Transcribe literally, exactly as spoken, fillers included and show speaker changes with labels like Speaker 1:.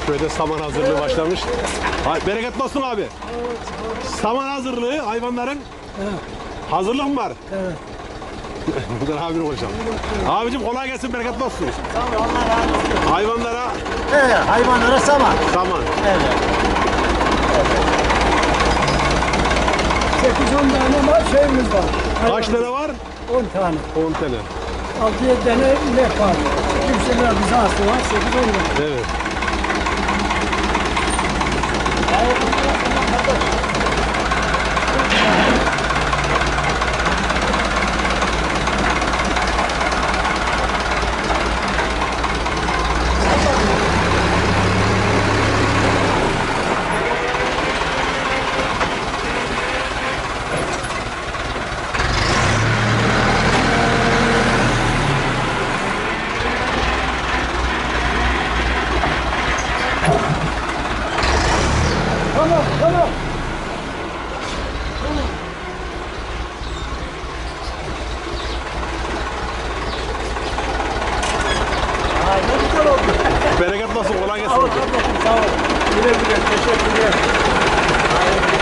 Speaker 1: köyde saman hazırlığı başlamış. Hay, bereketli olsun abi. Saman hazırlığı hayvanların hazırlık mı var?
Speaker 2: Evet.
Speaker 1: Buradan abine konuşalım. Abicim kolay gelsin, bereketli olsun.
Speaker 2: Tamam, Allah razı olsun.
Speaker 1: Hayvanlara
Speaker 2: Evet, hayvanlara saman.
Speaker 1: saman.
Speaker 2: Evet. sekiz on tane var, şeyimiz var.
Speaker 1: Kaç tane var?
Speaker 2: on tane.
Speaker 1: on tane.
Speaker 2: altı yedi tane inek var. Kimseler bize hasta var, sekiz on tane.
Speaker 1: Evet.
Speaker 2: Tamam, tamam. Ay, ne güzel oldu.
Speaker 1: Bereketli olsun, kolay gelsin.
Speaker 2: Sağ ol kardeşim, sağ ol. Güle güle, teşekkürler.